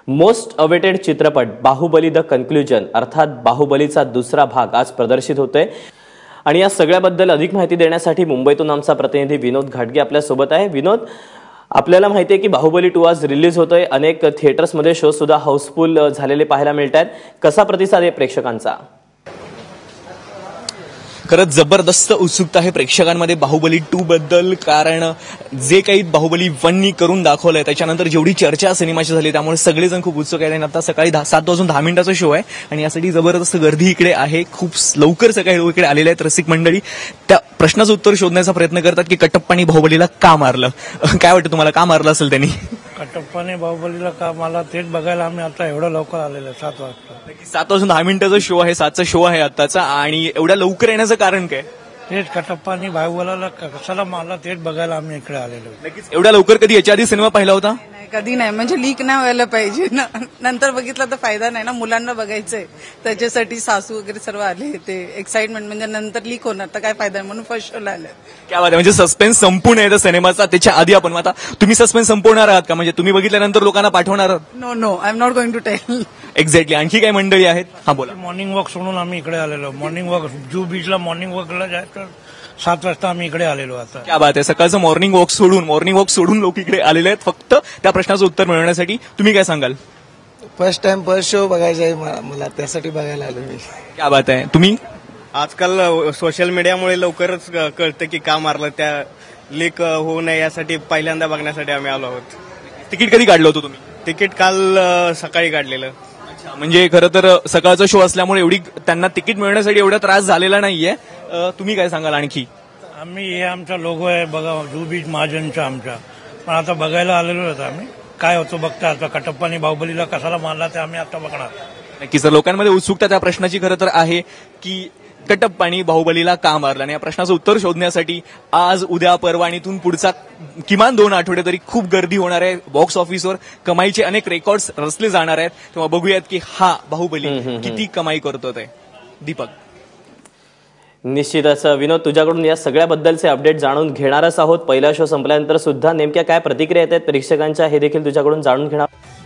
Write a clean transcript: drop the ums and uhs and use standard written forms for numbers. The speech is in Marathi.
मोस्ट अवेटेड चित्रपट बाहुबली द कन्क्लुजन अर्थात बाहुबलीचा दुसरा भाग आज प्रदर्शित होतोय आणि या सगळ्याबद्दल अधिक माहिती देण्यासाठी मुंबईतून आमचा प्रतिनिधी विनोद घाटगे आपल्या सोबत आहे। विनोद, आपल्याला माहिती आहे की बाहुबली 2 आज रिलीज होतोय, अनेक थिएटर्समध्ये शो सुद्धा हाऊसफुल झालेले पाहायला मिळतात, कसा प्रतिसाद आहे प्रेक्षकांचा? खरंच जबरदस्त उत्सुकता आहे प्रेक्षकांमध्ये बाहुबली 2 बद्दल, कारण जे काही बाहुबली 1 नी करून दाखवलंय त्याच्यानंतर जेवढी चर्चा सिनेमाची झाली त्यामुळे सगळेजण खूप उत्सुक आहेत। आणि आता सकाळी 7:10 शो आहे आणि यासाठी जबरदस्त गर्दी इकडे आहे। खूप लवकर सकाळी लोक इकडे आलेले आहेत। रसिक मंडळी त्या प्रश्नाचं उत्तर शोधण्याचा प्रयत्न करतात की कटप्पानी बाहुबलीला का मारलं। काय वाटतं तुम्हाला, का मारलं असेल त्यांनी? कटप्पाने बाहुबलीला का मला तेच बघायला आम्ही आता एवढं लवकर आलेलो 7 वाजता। 7:10 शो आहे, 7चा शो आहे आताचा, आणि एवढ्या लवकर येण्याचं कारण काय? तेच कटप्पाने बाहुबलीला कशाला मारला तेच बघायला आम्ही इकडे आलेलो। नक्कीच एवढ्या लवकर कधी याच्या आधी सिनेमा पाहिला होता? कधी नाही, म्हणजे लीक नाही व्हायला पाहिजे ना, नंतर बघितलं तर फायदा नाही ना, मुलांना बघायचंय त्याच्यासाठी सासू वगैरे सर्व आले, ते एक्साइटमेंट म्हणजे नंतर लीक होणार तर काय फायदा आहे, म्हणून फर्स्ट शोला आले। काय बात आहे, म्हणजे सस्पेन्स संपूर्ण आहे त्या सिनेमाचा। त्याच्या आधी आपण आता तुम्ही सस्पेन्स संपवणार आहात का, म्हणजे तुम्ही बघितल्यानंतर लोकांना पाठवणार आहात? No I am not going to tell. Exactly. आणखी काय मंडळी आहेत? हा बोला। मॉर्निंग वॉक सोडून आम्ही इकडे आलेलो, मॉर्निंग वॉक जुहू बीचला मॉर्निंग वॉकला जायचं 7 वाजता आम्ही इकडे आलेलो। आता क्या बात आहे, सकाळचं मॉर्निंग वॉक सोडून लोक इकडे आलेले आहेत फक्त त्या प्रश्नाचं उत्तर मिळवण्यासाठी। तुम्ही काय सांगाल? फर्स्ट टाइम फर्स्ट शो बघायचा आहे मला, त्यासाठी बघायला आलो मी। क्या बात आहे। तुम्ही? आजकाल सोशल मीडियामुळे लवकरच कळतं की का मारलं, त्या लीक होऊ नये यासाठी पहिल्यांदा बघण्यासाठी आम्ही आलो आहोत। तिकीट कधी काढलं होतं तुम्ही? तिकीट काल सकाळी काढलेलं। म्हणजे खरं तर सकाळचा शो असल्यामुळे एवढी त्यांना तिकीट मिळवण्यासाठी एवढा त्रास झालेला नाहीये। तुम्ही काय सांगाल आणखी? आम्ही हे आमचा लोगो आहे बघा, जुहू बीच महाजनचा आमचा, पण आता बघायला आलेलो होतो आम्ही, काय होतं बघता आता कटप्पाने बाहुबलीला कशाला मारला ते आम्ही आता बघणार। नक्कीच सर, लोकांमध्ये उत्सुकता त्या प्रश्नाची खरं तर आहे की कटप्पानी बाहुबलीला का मारलं, आणि या प्रश्नाचं उत्तर शोधण्यासाठी आज उद्या परवा आणि इथून पुढचा किमान 2 आठवडे तरी खूप गर्दी होणार आहे। बॉक्स ऑफिसवर कमाईचे अनेक रेकॉर्ड्स रचले जाणार आहेत, तेव्हा बघूयात की हा बाहुबली किती कमाई करतो ते। दीपक? निश्चितच विनोद, तुझ्याकडून या सगळ्याबद्दलचे अपडेट जाणून घेणारच आहोत। पहिला शो संपल्यानंतर सुद्धा नेमक्या काय प्रतिक्रिया येतात प्रेक्षकांच्या हे देखील तुझ्याकडून जाणून घेणार।